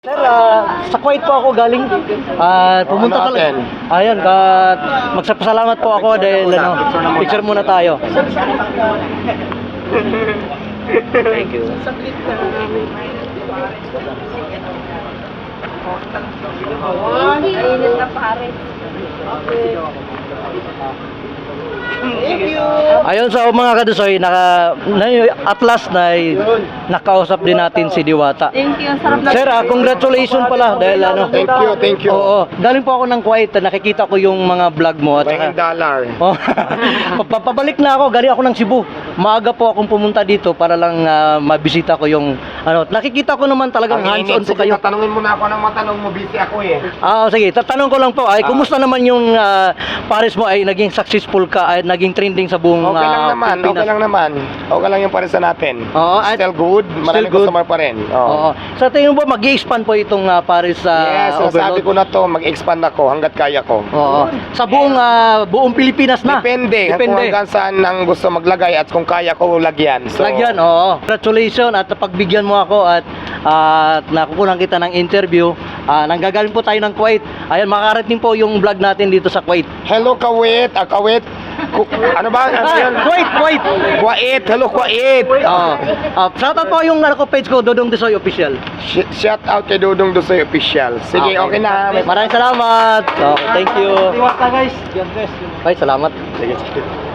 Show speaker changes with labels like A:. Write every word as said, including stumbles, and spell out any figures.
A: Sir, ah, sa Kuwait po ako galing. Ah, pumunta
B: Ano
A: talaga.
B: natin?
A: Ayan, at magsapasalamat po ako dahil ano, picture muna tayo. Thank you.
C: Mainit na pare.
B: Thank you.
A: Ayun sa mga kadusoy, naka, na, at last na nakausap din natin si Diwata.
C: Thank you. Ang sarap na.
A: Sir, ah, congratulations pala dahil ano.
B: Thank you, thank you.
A: Oo, galing po ako ng Kuwait, nakikita ko yung mga vlog mo at
B: Bayang
A: saka,
B: dollar.
A: oh, papabalik na ako, galing ako ng Cebu. Maaga po akong pumunta dito para lang ah, mabisita ko yung ano. Nakikita ko naman talagang hands-on po kayo.
B: Tanungin mo na ako ng matanong mo, busy ako eh.
A: Ah, sige, tatanong ko lang po, ay kumusta naman yung ah, Paris mo ay naging successful ka ay naging trending sa buong
B: Okay lang
A: ah,
B: naman,
A: Pilipinas?
B: okay lang naman. Okay lang yung paresa natin.
A: Oo, at-
B: Still good, maraming
A: good.
B: customer pa rin. Oo.
A: Oo. Sa tingin mo ba mag-i-expand po itong ah, Paris sa
B: Yes,
A: Overload?
B: sabi ko na to, mag-expand ako hanggat kaya ko.
A: Oo. Sa buong ah, buong Pilipinas na.
B: Depende, kung
A: Depende.
B: hanggang saan ang gusto maglagay at kung kaya ko lagyan. So,
A: Lagyan, oo. Congratulations at pagbigyan mo ako at at nakukunan kita ng interview. Ah, nanggagaling po tayo ng Kuwait. Ayan, makakarating po yung vlog natin dito sa Kuwait.
B: hello Kuwait, ah, Kuwait. Ku- ano ba? Ano
A: Ah,
B: yun?
A: Kuwait, Kuwait.
B: Kuwait, hello Kuwait.
A: Oo. Ah, shoutout po yung ano ko page ko, Dodong Desoy Official.
B: Sh- shout out kay Dudong Dosoy Official. Sige, okay, na.
A: Maraming salamat. Okay, thank you. Diwata guys. God bless. Bye, salamat.
B: Sige, sige.